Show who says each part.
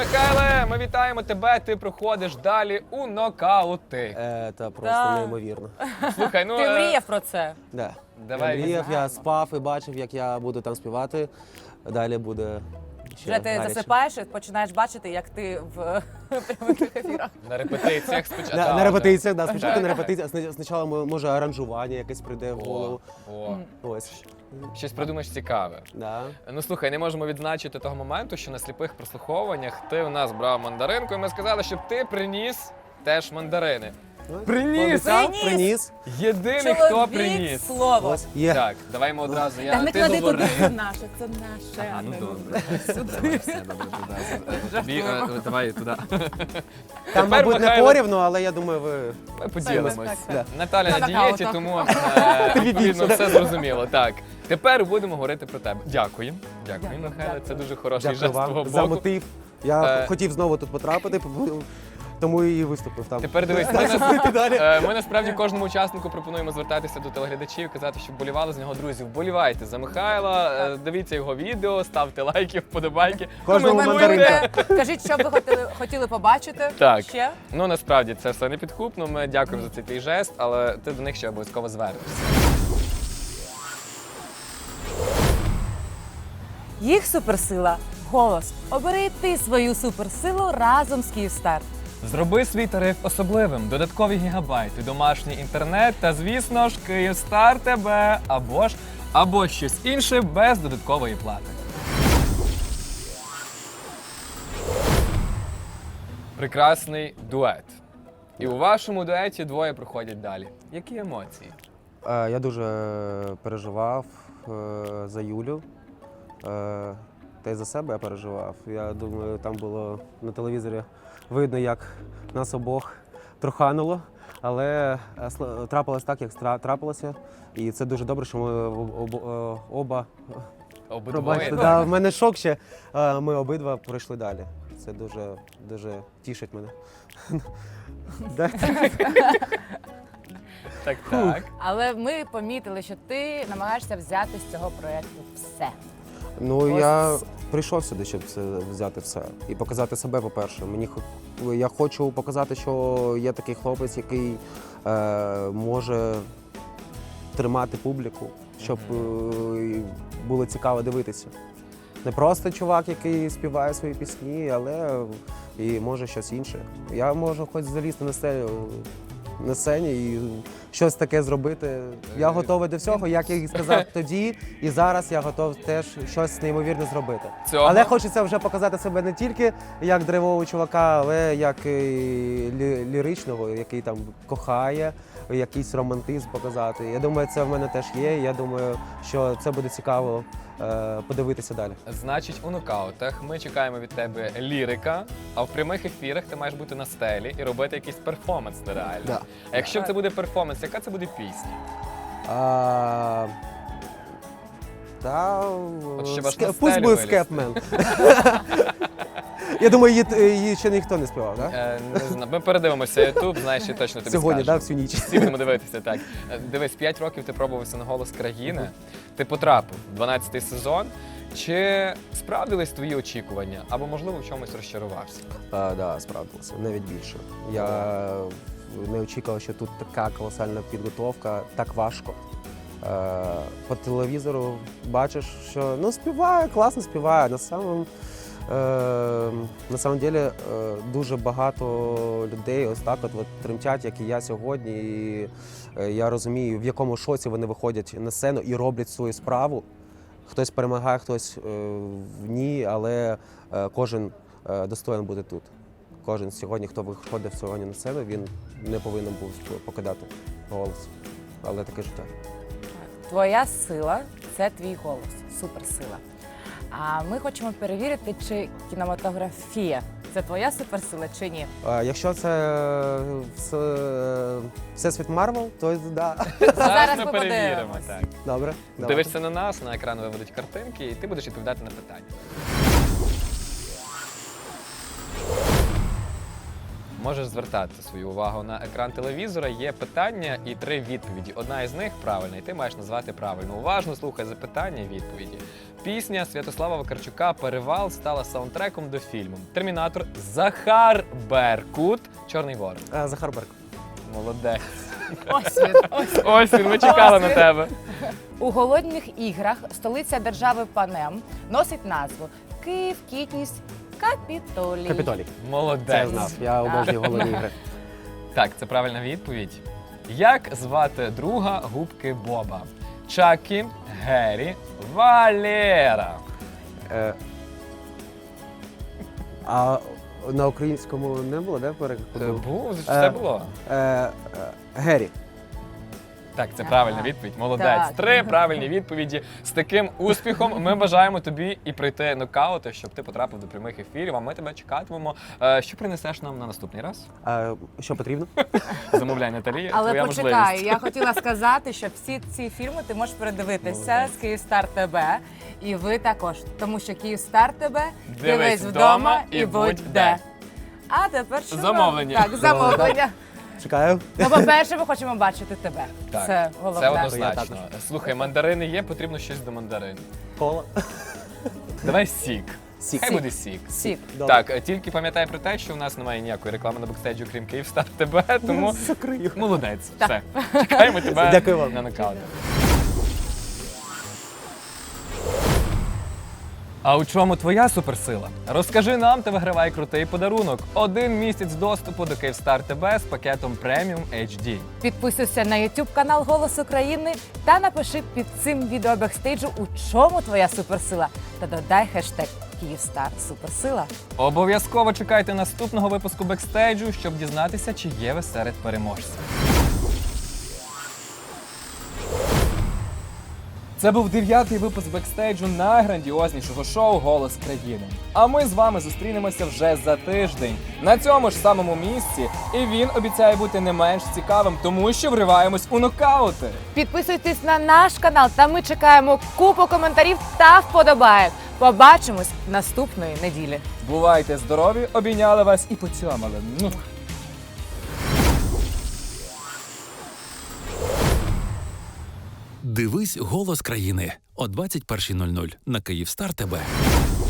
Speaker 1: Михайле, ми вітаємо тебе, ти проходиш далі у нокаути.
Speaker 2: Це просто неймовірно.
Speaker 1: Слухай, ну...
Speaker 3: Ти мріяв про це?
Speaker 2: Да.
Speaker 1: Давай
Speaker 2: Я мріяв, я спав і бачив, як я буду там співати. Далі буде ще
Speaker 3: Вже ти
Speaker 2: гаряче.
Speaker 3: засипаєш і починаєш бачити, як ти в прямих ефірах.
Speaker 1: На репетиціях спочатку.
Speaker 2: На репетиціях, да, спочатку на репетиціях. Спочатку, може, аранжування якесь прийде в голову.
Speaker 1: О,
Speaker 2: Ось.
Speaker 1: щось придумаєш цікаве.
Speaker 2: Да.
Speaker 1: Ну слухай, не можемо відзначити того моменту, що на сліпих прослуховуваннях ти у нас брав мандаринку, і ми сказали, щоб ти приніс теж мандарини. Приніс!
Speaker 2: Приніс.
Speaker 1: Єдиний, хто
Speaker 3: Чоловік
Speaker 1: приніс.
Speaker 3: слово.
Speaker 2: Ось. Є.
Speaker 1: Так, давай ми одразу.
Speaker 3: Та
Speaker 1: Я
Speaker 3: не
Speaker 1: ти
Speaker 3: клади туди,
Speaker 1: говори.
Speaker 3: це наше, це наше.
Speaker 1: А, ну
Speaker 3: Не
Speaker 1: добре.
Speaker 3: Сюди.
Speaker 1: Все добре, туди. Тобі, давай туди.
Speaker 2: Там, мабуть, не
Speaker 1: Михайло-
Speaker 2: порівну, але я думаю, ви...
Speaker 1: Ми поділимось.
Speaker 3: Так,
Speaker 2: так.
Speaker 1: Наталя
Speaker 3: На
Speaker 1: на дієті,
Speaker 3: нокаутах.
Speaker 1: тому відповідно все зрозуміло. Так, тепер будемо говорити про тебе. Дякую. Дякую, Михайло. Це дуже хороший
Speaker 2: Дякую
Speaker 1: жест з твого
Speaker 2: вам за
Speaker 1: боку.
Speaker 2: мотив. Я
Speaker 1: Е.
Speaker 2: хотів знову тут потрапити, тому і виступив там.
Speaker 1: Тепер дивись, ми насправді кожному учаснику пропонуємо звертатися до телеглядачів, казати, щоб болівали з нього друзі. Вболівайте за Михайла, дивіться його відео, ставте лайки, вподобайки.
Speaker 2: Кожному
Speaker 1: коментуйте.
Speaker 2: мандаринка.
Speaker 3: Кажіть, що б ви хотіли побачити
Speaker 1: Так.
Speaker 3: ще.
Speaker 1: Ну насправді це все не підкупно. Ми дякуємо за цей твій жест, але ти до них ще обов'язково звернешся.
Speaker 3: Їх суперсила – голос. Обери ти свою суперсилу разом з Київстар.
Speaker 1: Зроби свій тариф особливим, додаткові гігабайти, домашній інтернет та, звісно ж, Київстар тебе або щось інше без додаткової плати. Прекрасний дует. І у вашому дуеті двоє проходять далі. Які емоції?
Speaker 2: Я дуже переживав за Юлю. Та й за себе я переживав. Я думаю, там було на телевізорі видно, як нас обох трохануло. Але трапилось так, як трапилося. І це дуже добре, що ми оба
Speaker 1: Обидвоє.
Speaker 2: пробачте, да, в мене шок ще. Ми обидва пройшли далі. Це дуже тішить мене. Да.
Speaker 1: Так, так.
Speaker 3: Але ми помітили, що ти намагаєшся взяти з цього проєкту все.
Speaker 2: Ну,
Speaker 3: Ось.
Speaker 2: я прийшов сюди, щоб це взяти все. І показати себе, по-перше. Я хочу показати, що є такий хлопець, який може тримати публіку, щоб було цікаво дивитися. Не просто чувак, який співає свої пісні, але і може щось інше. Я можу хоч залізти на сцені і щось таке зробити. Я готовий до всього, як я і сказав тоді, і зараз я готов теж щось неймовірне зробити.
Speaker 1: Цього?
Speaker 2: Але хочеться вже показати себе не тільки як драйвового чувака, але як і ліричного, який там кохає, якийсь романтизм показати. Я думаю, це в мене теж є. Я думаю, що це буде цікаво подивитися далі.
Speaker 1: Значить, у нокаутах ми чекаємо від тебе лірика, а в прямих ефірах ти маєш бути на стелі і робити якийсь перформанс нереальний.
Speaker 2: Да.
Speaker 1: А якщо це буде перформанс, яка це буде пісня? ще ваш на
Speaker 2: Пусть
Speaker 1: стелі
Speaker 2: буде
Speaker 1: вилізти.
Speaker 2: Скепмен. Я думаю, її ще ніхто не співав, так?
Speaker 1: Не знаю, ми передивимося Ютуб, знаєш, і точно тобі
Speaker 2: Сьогодні,
Speaker 1: скажемо.
Speaker 2: так, всю ніч.
Speaker 1: Всі будемо дивитися, так. Дивись, 5 років ти пробувався на «Голос країни», ти потрапив в 12-й сезон. Чи справдились твої очікування? Або, можливо, в чомусь розчарувався?
Speaker 2: Так, справдилося, навіть більше. Я не очікував, що тут така колосальна підготовка, так важко. По телевізору бачиш, що співає, класно співає. На самом деле дуже багато людей ось так от тремтять, як і я сьогодні. І я розумію, в якому шоці вони виходять на сцену і роблять свою справу. Хтось перемагає, хтось ні, але кожен достоин бути тут. Кожен сьогодні, хто виходив сьогодні на сцену, він не повинен був покидати голос. Але таке життя.
Speaker 3: Твоя сила – це твій голос, суперсила. А ми хочемо перевірити, чи кінематографія – це твоя суперсила чи ні.
Speaker 2: Якщо це Всесвіт Марвел, то да.
Speaker 3: Зараз
Speaker 1: ми
Speaker 3: ми
Speaker 1: перевіримо.
Speaker 3: подивимось.
Speaker 1: Так.
Speaker 2: Добре.
Speaker 1: Дивишся на нас, на екран виведуть картинки, і ти будеш відповідати на питання. можеш звертати свою увагу на екран телевізора. Є питання і 3 відповіді. Одна із них правильна, і ти маєш назвати правильно. Уважно слухай запитання і відповіді. Пісня Святослава Вакарчука «Перевал» стала саундтреком до фільму «Термінатор». Захар Беркут, «Чорний ворон».
Speaker 2: Захар Берк.
Speaker 1: Молодець.
Speaker 3: Ось він, ось він.
Speaker 1: Ось він, ми чекали на тебе.
Speaker 3: У голодних іграх столиця держави Панем носить назву Київ, Кітніс, Капітолій.
Speaker 2: Капітолій.
Speaker 1: Молодець.
Speaker 2: Це я знав. Я обожнюю голодні ігри.
Speaker 1: Так, це правильна відповідь. Як звати друга губки Боба? Чакі, Гері, Валера.
Speaker 2: Е, А на українському не було, де перекладу?
Speaker 1: Був, все було.
Speaker 2: Гері.
Speaker 1: Так, це
Speaker 3: Ага.
Speaker 1: правильна відповідь. Молодець.
Speaker 3: Так.
Speaker 1: 3 правильні відповіді. З таким успіхом ми бажаємо тобі і пройти нокаути, щоб ти потрапив до прямих ефірів. А ми тебе чекатимемо. Що принесеш нам на наступний раз?
Speaker 2: Що потрібно?
Speaker 1: Замовляй, Наталія.
Speaker 3: Але
Speaker 1: твоя
Speaker 3: почекай,
Speaker 1: можливість.
Speaker 3: я хотіла сказати, що всі ці фільми ти можеш передивитися
Speaker 1: Молодець.
Speaker 3: з Київстар ТБ. І ви також, тому що Київстар ТБ
Speaker 1: Дивись вдома і будь де.
Speaker 3: А тепер що?
Speaker 1: Замовлення.
Speaker 3: Так, замовлення.
Speaker 2: Чекаю.
Speaker 3: Ну, по-перше, ми хочемо бачити тебе.
Speaker 1: Так,
Speaker 3: Це
Speaker 1: це
Speaker 3: головне.
Speaker 2: Я
Speaker 1: однозначно.
Speaker 2: також.
Speaker 1: Слухай, мандарини є, потрібно щось до мандарин.
Speaker 2: Кола.
Speaker 1: Давай сік.
Speaker 2: Сік.
Speaker 1: Хай буде сік.
Speaker 3: Сік.
Speaker 2: Добре.
Speaker 1: Так, тільки пам'ятай про те, що у нас немає ніякої реклами на бекстейджі, крім Київстар ТБ, тому
Speaker 2: Закрию.
Speaker 1: молодець. Все. Чекаємо тебе
Speaker 2: Дякую вам.
Speaker 1: на нокаут. А у чому твоя суперсила? Розкажи нам та вигравай крутий подарунок. 1 місяць доступу до Київстар ТБ з пакетом Premium HD.
Speaker 3: Підписуйся на YouTube канал Голос України та напиши під цим відео бекстейджу, у чому твоя суперсила. Та додай хештег Київстар Суперсила.
Speaker 1: Обов'язково чекайте наступного випуску бекстейджу, щоб дізнатися, чи є ви серед переможців. Це був 9-й випуск бекстейджу найграндіознішого шоу «Голос країни». А ми з вами зустрінемося вже за тиждень на цьому ж самому місці. І він обіцяє бути не менш цікавим, тому що вриваємось у нокаути.
Speaker 3: Підписуйтесь на наш канал, та ми чекаємо купу коментарів та вподобаєк. Побачимось наступної неділі.
Speaker 1: Бувайте здорові, обійняли вас і поцьомали.
Speaker 4: Дивись «Голос країни» о 21:00 на Київстар ТБ.